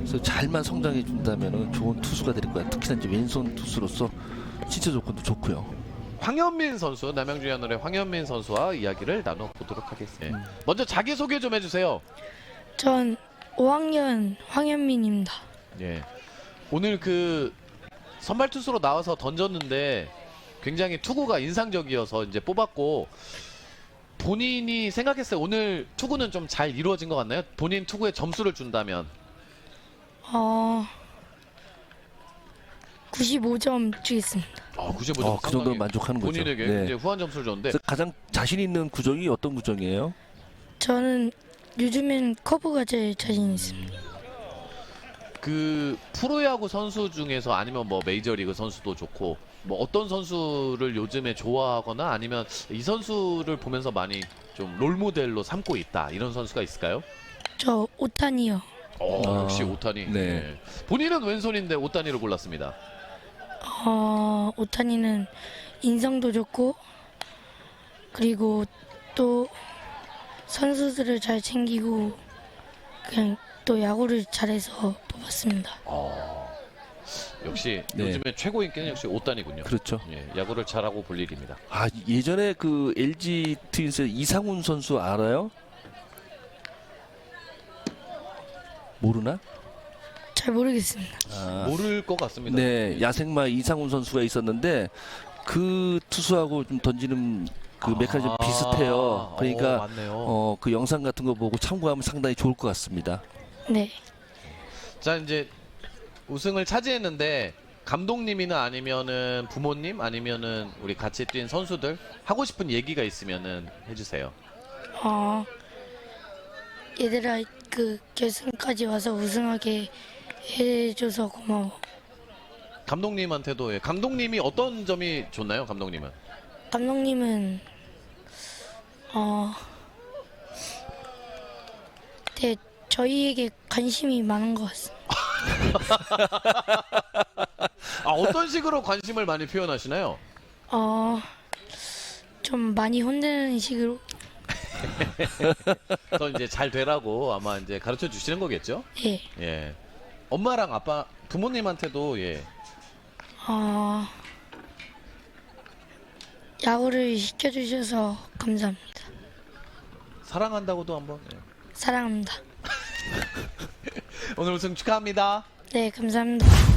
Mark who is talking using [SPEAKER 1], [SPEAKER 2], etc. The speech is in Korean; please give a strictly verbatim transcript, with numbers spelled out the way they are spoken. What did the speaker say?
[SPEAKER 1] 그래서 잘만 성장해 준다면 좋은 투수가 될 거야. 특히나 이제 왼손 투수로서 신체 조건도 좋고요.
[SPEAKER 2] 황현민 선수, 남양주 하늘의 황현민 선수와 이야기를 나눠보도록 하겠습니다. 네. 먼저 자기소개 좀 해주세요.
[SPEAKER 3] 전 오 학년 황현민입니다.
[SPEAKER 2] 예. 오늘 그 선발 투수로 나와서 던졌는데 굉장히 투구가 인상적이어서 이제 뽑았고, 본인이 생각했어요. 오늘 투구는 좀 잘 이루어진 것 같나요? 본인 투구에 점수를 준다면.
[SPEAKER 3] 어, 구십오 점 주겠습니다.
[SPEAKER 2] 아, 구십오 점.
[SPEAKER 1] 어, 그 정도면 만족하는 거죠.
[SPEAKER 2] 본인에게
[SPEAKER 1] 네.
[SPEAKER 2] 이제 후한 점수를 줬는데.
[SPEAKER 1] 그래서 가장 자신 있는 구종이 어떤 구종이에요?
[SPEAKER 3] 저는 요즘엔 커브가 제일 자신 있습니다.
[SPEAKER 2] 그 프로야구 선수 중에서 아니면 뭐 메이저리그 선수도 좋고, 뭐 어떤 선수를 요즘에 좋아하거나 아니면 이 선수를 보면서 많이 좀 롤모델로 삼고 있다, 이런 선수가 있을까요?
[SPEAKER 3] 저 오타니요.
[SPEAKER 2] 어,
[SPEAKER 1] 아,
[SPEAKER 2] 역시 오타니.
[SPEAKER 1] 네.
[SPEAKER 2] 네. 본인은 왼손인데 오타니를 골랐습니다.
[SPEAKER 3] 어, 오타니는 인성도 좋고 그리고 또 선수들을 잘 챙기고 그냥 또 야구를 잘해서 뽑았습니다.
[SPEAKER 2] 어, 역시
[SPEAKER 1] 네.
[SPEAKER 2] 요즘에 최고 인기는 역시 오타니군요.
[SPEAKER 1] 그렇죠.
[SPEAKER 2] 예, 야구를 잘하고 볼 일입니다.
[SPEAKER 1] 아, 예전에 그 엘지 트윈스 이상훈 선수 알아요? 모르나?
[SPEAKER 3] 잘 모르겠습니다.
[SPEAKER 1] 아,
[SPEAKER 2] 모를 것 같습니다.
[SPEAKER 1] 네, 야생마 이상훈 선수가 있었는데 그 투수하고 좀 던지는 그 메커니즘
[SPEAKER 2] 아,
[SPEAKER 1] 비슷해요.
[SPEAKER 2] 어,
[SPEAKER 1] 그러니까
[SPEAKER 2] 맞네요.
[SPEAKER 1] 어, 그 영상 같은 거 보고 참고하면 상당히 좋을 것 같습니다.
[SPEAKER 3] 네.
[SPEAKER 2] 자, 이제 우승을 차지했는데 감독님이나 아니면은 부모님 아니면은 우리 같이 뛴 선수들 하고 싶은 얘기가 있으면은 해주세요.
[SPEAKER 3] 어, 얘들아 그 결승까지 와서 우승하게 해줘서 고마워.
[SPEAKER 2] 감독님한테도, 예. 감독님이 어떤 점이 좋나요, 감독님은?
[SPEAKER 3] 감독님은 어, 네, 저희에게 관심이 많은 것 같습니다.
[SPEAKER 2] 아, 어떤 식으로 관심을 많이 표현하시나요?
[SPEAKER 3] 어, 좀 많이 혼내는 식으로.
[SPEAKER 2] 더 이제 잘 되라고 아마 이제 가르쳐 주시는 거겠죠?
[SPEAKER 3] 예.
[SPEAKER 2] 예. 엄마랑 아빠, 부모님한테도, 예.
[SPEAKER 3] 어, 야구를 시켜주셔서 감사합니다.
[SPEAKER 2] 사랑한다고도 한번. 예.
[SPEAKER 3] 사랑합니다.
[SPEAKER 2] 오늘 우승 축하합니다.
[SPEAKER 3] 네, 감사합니다.